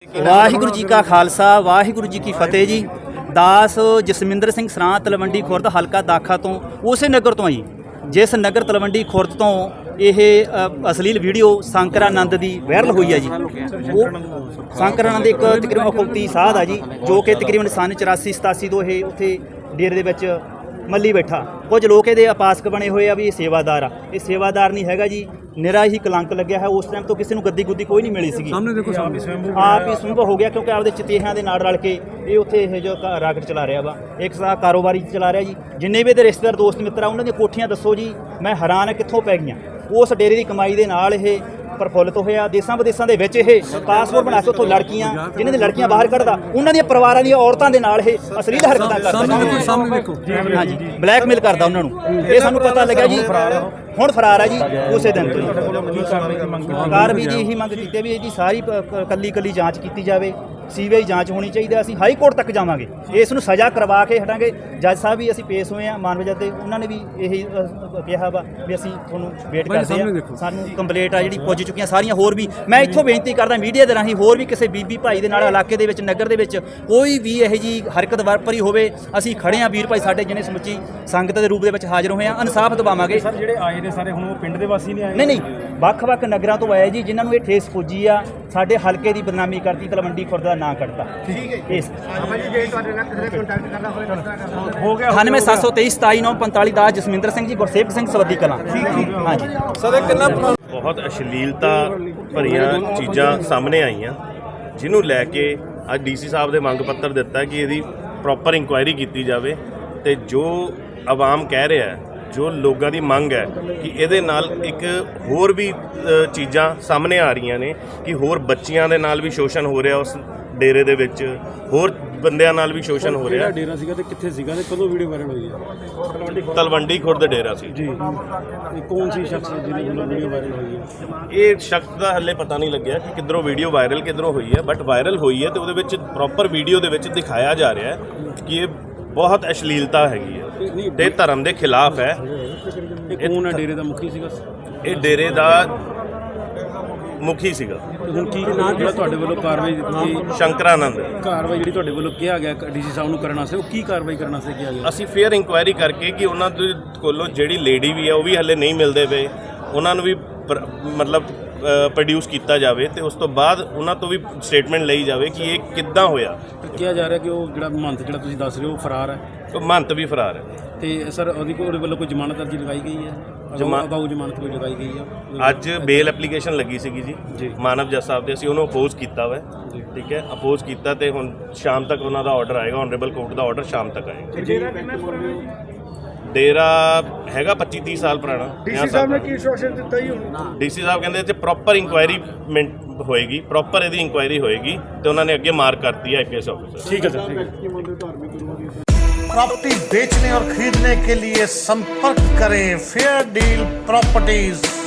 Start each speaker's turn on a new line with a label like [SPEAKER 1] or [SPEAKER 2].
[SPEAKER 1] ਵਾਹਿਗੁਰੂ ਜੀ ਕਾ ਖਾਲਸਾ ਵਾਹਿਗੁਰੂ ਜੀ ਕੀ ਫਤਿਹ ਜੀ। ਦਾਸ ਜਸਮਿੰਦਰ ਸਿੰਘ ਸਰਾਂ ਤਲਵੰਡੀ ਖੁਰਦ ਹਲਕਾ ਦਾਖਾ ਤੋਂ ਉਸੇ ਨਗਰ ਤੋਂ ਆਈ ਜਿਸ ਨਗਰ ਤਲਵੰਡੀ ਖੁਰਦ ਤੋਂ ਇਹ ਅਸ਼ਲੀਲ ਵੀਡੀਓ ਸ਼ੰਕਰਾਨੰਦ ਦੀ ਵਾਇਰਲ ਹੋਈ ਹੈ ਜੀ। ਉਹ ਸ਼ੰਕਰਾਨੰਦ ਇੱਕ ਤਕਰੀਬਨ ਅਖੌਤੀ ਸਾਧ ਆ ਜੀ, ਜੋ ਕਿ ਤਕਰੀਬਨ ਸੰਨ 84-87 ਤੋਂ ਇਹ ਉੱਥੇ ਡੇਰੇ ਦੇ ਵਿੱਚ ਮੱਲੀ ਬੈਠਾ। ਕੁਝ ਲੋਕ ਇਹਦੇ ਉਪਾਸਕ ਬਣੇ ਹੋਏ ਆ ਵੀ ਇਹ ਸੇਵਾਦਾਰ ਆ। ਇਹ ਸੇਵਾਦਾਰ ਨਹੀਂ ਹੈਗਾ ਜੀ, ਨਿਰਾ ਹੀ ਕਲੰਕ ਲੱਗਿਆ ਹੈ। ਉਸ ਟਾਈਮ ਤੋਂ ਕਿਸੇ ਨੂੰ ਗੱਦੀ ਗੁੱਦੀ ਕੋਈ ਨਹੀਂ ਮਿਲੀ ਸੀਗੀ।
[SPEAKER 2] ਸਾਹਮਣੇ ਦੇਖੋ,
[SPEAKER 1] ਆਪ ਹੀ ਸੰਭਵ ਹੋ ਗਿਆ ਕਿਉਂਕਿ ਆਪਦੇ ਚਤੇਹਾਂ ਦੇ ਨਾਲ ਰਲ ਕੇ ਇਹ ਉੱਥੇ ਇਹ ਜੋ ਰਾਕਟ ਚਲਾ ਰਿਹਾ ਵਾ, ਇੱਕ ਸਾਹ ਕਾਰੋਬਾਰੀ ਚਲਾ ਰਿਹਾ ਜੀ। ਜਿੰਨੇ ਵੀ ਇਹਦੇ ਰਿਸ਼ਤੇਦਾਰ ਦੋਸਤ ਮਿੱਤਰ ਆ ਉਹਨਾਂ ਦੀਆਂ ਕੋਠੀਆਂ ਦੱਸੋ ਜੀ, ਮੈਂ ਹੈਰਾਨ ਹੈ ਕਿੱਥੋਂ ਪੈ ਗਈਆਂ। ਉਸ ਡੇਰੇ ਦੀ ਕਮਾਈ ਦੇ ਨਾਲ ਇਹ ਪ੍ਰਫੁੱਲਿਤ ਹੋਇਆ। ਦੇਸਾਂ ਵਿਦੇਸਾਂ ਦੇ ਵਿੱਚ ਇਹ ਪਾਸਪੋਰਟ ਬਣਾ ਕੇ ਉੱਥੋਂ ਲੜਕੀਆਂ, ਜਿਨ੍ਹਾਂ ਦੀ ਲੜਕੀਆਂ ਬਾਹਰ ਕੱਢਦਾ, ਉਹਨਾਂ ਦੀਆਂ ਪਰਿਵਾਰਾਂ ਦੀਆਂ ਔਰਤਾਂ ਦੇ ਨਾਲ ਇਹ ਅਸ਼ਲੀਲ ਹਰਕਤਾਂ ਕਰਦਾ। ਹਾਂਜੀ, ਬਲੈਕਮੇਲ ਕਰਦਾ ਉਹਨਾਂ ਨੂੰ। ਇਹ ਸਾਨੂੰ ਪਤਾ ਲੱਗਿਆ ਜੀ, ਹੁਣ ਫਰਾਰ ਹੈ ਜੀ ਉਸੇ ਦਿਨ ਤੋਂ। ਕਾਰਵਾਈ ਦੀ ਇਹੀ ਮੰਗ ਕੀਤੀ ਵੀ ਇਹਦੀ ਸਾਰੀ ਕੱਲੀ ਜਾਂਚ ਕੀਤੀ ਜਾਵੇ। ਸੀਬੀਆਈ ਜਾਂਚ ਹੋਣੀ ਚਾਹੀਦੀ। ਅਸੀਂ ਹਾਈ ਕੋਰਟ ਤੱਕ ਜਾਵਾਂਗੇ, ਇਸ ਨੂੰ ਸਜ਼ਾ ਕਰਵਾ ਕੇ ਹਟਾਂਗੇ। ਜੱਜ ਸਾਹਿਬ ਵੀ ਅਸੀਂ ਪੇਸ਼ ਹੋਏ ਹਾਂ ਮਾਨਵ ਜੱਜ ਦੇ, ਉਹਨਾਂ ਨੇ ਵੀ ਇਹੀ ਕਿਹਾ ਵਾ ਵੀ ਅਸੀਂ ਤੁਹਾਨੂੰ ਵੇਟ ਕਰਦੇ ਹਾਂ। ਸਾਨੂੰ ਕੰਪਲੇਂਟ ਆ ਜਿਹੜੀ ਪੁੱਜ ਚੁੱਕੀਆਂ ਸਾਰੀਆਂ। ਹੋਰ ਵੀ ਮੈਂ ਇੱਥੋਂ ਬੇਨਤੀ ਕਰਦਾ ਮੀਡੀਆ ਦੇ ਰਾਹੀਂ, ਹੋਰ ਵੀ ਕਿਸੇ ਬੀਬੀ ਭਾਈ ਦੇ ਨਾਲ ਇਲਾਕੇ ਦੇ ਵਿੱਚ, ਨਗਰ ਦੇ ਵਿੱਚ ਕੋਈ ਵੀ ਇਹੋ ਜਿਹੀ ਹਰਕਤ ਵਾਪਰੀ ਹੋਵੇ, ਅਸੀਂ ਖੜੇ ਹਾਂ ਵੀਰ ਭਾਈ ਸਾਡੇ ਜਿਹਨੇ ਸਮੁੱਚੀ ਸੰਗਤ ਦੇ ਰੂਪ ਦੇ ਵਿੱਚ ਹਾਜ਼ਰ ਹੋਏ ਹਾਂ। ਇਨਸਾਫ ਦਿਵਾਵਾਂਗੇ।
[SPEAKER 2] ਸਰ ਜਿਹੜੇ ਆਏ ਨੇ ਸਾਰੇ ਹੁਣ ਉਹ ਪਿੰਡ ਦੇ ਵਾਸੀ ਨਹੀਂ ਆਏ?
[SPEAKER 1] ਨਹੀਂ, ਵੱਖ-ਵੱਖ ਨਗਰਾਂ ਤੋਂ ਆਏ ਜੀ, ਜਿਨ੍ਹਾਂ ਨੂੰ ਇਹ ਠੇਸ ਪੁੱਜੀ ਆ। ਸਾਡੇ ਹਲਕੇ ਦੀ ਬਦਨਾਮੀ ਕਰਤੀ, ਤਲਵੰਡੀ ਖੁਰਦ ਦਾ ਨਾਂ ਕੱਢਤਾ। ਠੀਕ ਹੈ ਇਸ
[SPEAKER 2] ਹੋ ਗਿਆ
[SPEAKER 1] 9772372945 ਦਾ ਜਸਮਿੰਦਰ ਸਿੰਘ ਜੀ, ਗੁਰਸੇਵਕ ਸਿੰਘ ਸਵੱਦੀ ਕਲਾਂ। ਹਾਂਜੀ
[SPEAKER 2] ਸਰ ਇਹ ਕਿੰਨਾ
[SPEAKER 3] ਬਹੁਤ ਅਸ਼ਲੀਲਤਾ ਭਰੀਆਂ ਚੀਜ਼ਾਂ ਸਾਹਮਣੇ ਆਈਆਂ, ਜਿਹਨੂੰ ਲੈ ਕੇ ਅੱਜ ਡੀਸੀ ਸਾਹਿਬ ਦੇ ਮੰਗ ਪੱਤਰ ਦਿੱਤਾ ਕਿ ਇਹਦੀ ਪ੍ਰੋਪਰ ਇਨਕੁਆਇਰੀ ਕੀਤੀ ਜਾਵੇ। ਤੇ ਜੋ ਆਵਾਮ ਕਹਿ ਰਿਹਾ ਹੈ, ਜੋ ਲੋਕਾਂ ਦੀ ਮੰਗ ਹੈ ਕਿ ਇਹਦੇ ਨਾਲ ਇੱਕ ਹੋਰ ਵੀ ਚੀਜ਼ਾਂ ਸਾਹਮਣੇ ਆ ਰਹੀਆਂ ਨੇ ਕਿ ਹੋਰ ਬੱਚੀਆਂ ਦੇ ਨਾਲ ਵੀ ਸ਼ੋਸ਼ਣ ਹੋ ਰਿਹਾ, ਉਸ ਡੇਰੇ ਦੇ ਵਿੱਚ ਹੋਰ ਬੰਦਿਆਂ ਨਾਲ ਵੀ ਸ਼ੋਸ਼ਣ ਹੋ ਰਿਹਾ।
[SPEAKER 2] ਡੇਰਾ ਸੀਗਾ ਤੇ ਕਿੱਥੇ ਸੀਗਾ ਤੇ ਕਦੋਂ ਵੀਡੀਓ ਵਾਇਰਲ ਹੋਈ ਹੈ?
[SPEAKER 3] ਤਲਵੰਡੀ ਖੁਰਦ ਡੇਰਾ ਸੀ
[SPEAKER 2] ਜੀ। ਇਹ ਕੌਣ ਸੀ ਸ਼ਖਸ ਜਿਹਨੇ ਵੱਲੋਂ ਵੀਡੀਓ ਵਾਇਰਲ ਹੋਈ ਹੈ?
[SPEAKER 3] ਇਹ ਸ਼ਖਸ ਦਾ ਹੱਲੇ ਪਤਾ ਨਹੀਂ ਲੱਗਿਆ ਕਿ ਕਿੱਧਰੋਂ ਵੀਡੀਓ ਵਾਇਰਲ ਕਿੱਧਰੋਂ ਹੋਈ ਹੈ, ਬਟ ਵਾਇਰਲ ਹੋਈ ਹੈ ਤੇ ਉਹਦੇ ਵਿੱਚ ਪ੍ਰੋਪਰ ਵੀਡੀਓ ਦੇ ਵਿੱਚ ਦਿਖਾਇਆ ਜਾ ਰਿਹਾ ਹੈ ਕਿ ਇਹ ਬਹੁਤ ਅਸ਼ਲੀਲਤਾ ਹੈਗੀ ਹੈ ਤੇ ਧਰਮ ਦੇ ਖਿਲਾਫ ਹੈ।
[SPEAKER 2] ਇਹ ਕੌਣ ਹੈ? ਡੇਰੇ ਦਾ ਮੁਖੀ ਸੀਗਾ?
[SPEAKER 3] ਇਹ ਡੇਰੇ ਦਾ ਮੁਖੀ ਸੀਗਾ।
[SPEAKER 2] ਹੁਣ ਕੀ ਜਿਹੜਾ ਤੁਹਾਡੇ ਵੱਲੋਂ ਕਾਰਵਾਈ ਦਿੱਤੀ?
[SPEAKER 3] ਸ਼ੰਕਰਾਨੰਦ।
[SPEAKER 2] ਕਾਰਵਾਈ ਜਿਹੜੀ ਤੁਹਾਡੇ ਵੱਲੋਂ ਕਿਹਾ ਗਿਆ ਡੀਸੀ ਸਾਹਿਬ ਨੂੰ ਕਰਨਾ ਸੀ, ਉਹ ਕੀ ਕਾਰਵਾਈ ਕਰਨਾ ਸੀ ਕਿਹਾ ਗਿਆ?
[SPEAKER 3] ਅਸੀਂ ਫੇਅਰ ਇਨਕੁਆਇਰੀ ਕਰਕੇ ਕਿ ਉਹਨਾਂ ਦੇ ਕੋਲੋਂ ਜਿਹੜੀ ਲੇਡੀ ਵੀ ਹੈ ਉਹ ਵੀ ਹਲੇ ਨਹੀਂ ਮਿਲਦੇ ਪਏ, ਉਹਨਾਂ ਨੂੰ ਵੀ ਮਤਲਬ ਪ੍ਰੋਡਿਊਸ ਕੀਤਾ ਜਾਵੇ ਤੇ ਉਸ ਤੋਂ ਬਾਅਦ ਉਹਨਾਂ ਤੋਂ ਵੀ ਸਟੇਟਮੈਂਟ ਲਈ ਜਾਵੇ ਕਿ ਇਹ ਕਿੱਦਾਂ ਹੋਇਆ।
[SPEAKER 2] ਕਿਹਾ ਜਾ ਰਿਹਾ ਕਿ ਉਹ ਜਿਹੜਾ ਮਹੰਤ ਜਿਹੜਾ ਤੁਸੀਂ ਦੱਸ ਰਹੇ ਹੋ ਫਰਾਰ ਹੈ।
[SPEAKER 3] ਉਹ ਮਹੰਤ ਵੀ ਫਰਾਰ ਹੈ।
[SPEAKER 2] ਤੇ ਸਰ ਉਹਦੇ ਵੱਲੋਂ ਕੋਈ ਜ਼ਮਾਨਤ ਅਰਜ਼ੀ ਲਗਾਈ ਗਈ ਹੈ? ਅਗਾਊ ਜ਼ਮਾਨਤ ਕੋਈ ਲਗਾਈ ਗਈ ਹੈ?
[SPEAKER 3] ਅੱਜ ਬੇਲ ਐਪਲੀਕੇਸ਼ਨ ਲੱਗੀ ਸੀਗੀ ਜੀ ਮਾਨਵ ਜੱਜ ਸਾਹਿਬ ਦੇ, ਅਸੀਂ ਉਹਨੂੰ ਅਪੋਜ਼ ਕੀਤਾ ਵਾ। ਠੀਕ ਹੈ, ਅਪੋਜ਼ ਕੀਤਾ ਤੇ ਹੁਣ ਸ਼ਾਮ ਤੱਕ ਉਹਨਾਂ ਦਾ ਆਰਡਰ ਆਏਗਾ, ਆਨਰੇਬਲ ਕੋਰਟ ਦਾ ਆਰਡਰ ਸ਼ਾਮ ਤੱਕ ਆਏਗਾ। ਡੇਰਾ ਹੈਗਾ 25-30 ਸਾਲ ਪੁਰਾਣਾ। ਡੀਸੀ ਸਾਹਿਬ ਨੇ ਕੀ ਇੰਸਟਰਕਸ਼ਨ ਦਿੱਤਾ ਜੀ? ਡੀਸੀ ਸਾਹਿਬ ਕਹਿੰਦੇ ਇੱਥੇ ਪ੍ਰੋਪਰ ਇਨਕੁਆਇਰੀ ਹੋਏਗੀ, ਪ੍ਰੋਪਰ ਇਹਦੀ ਇਨਕੁਆਇਰੀ ਹੋਏਗੀ ਤੇ ਉਹਨਾਂ ਨੇ ਅੱਗੇ ਮਾਰਕ ਕਰਤੀ ਹੈ ਆਈਪੀਐਸ ਆਫਿਸਰ।
[SPEAKER 2] ਠੀਕ ਹੈ ਸਰ, ਠੀਕ ਹੈ।
[SPEAKER 4] प्रॉपर्टी बेचने और खरीदने के लिए संपर्क करें फेयर डील प्रॉपर्टीज।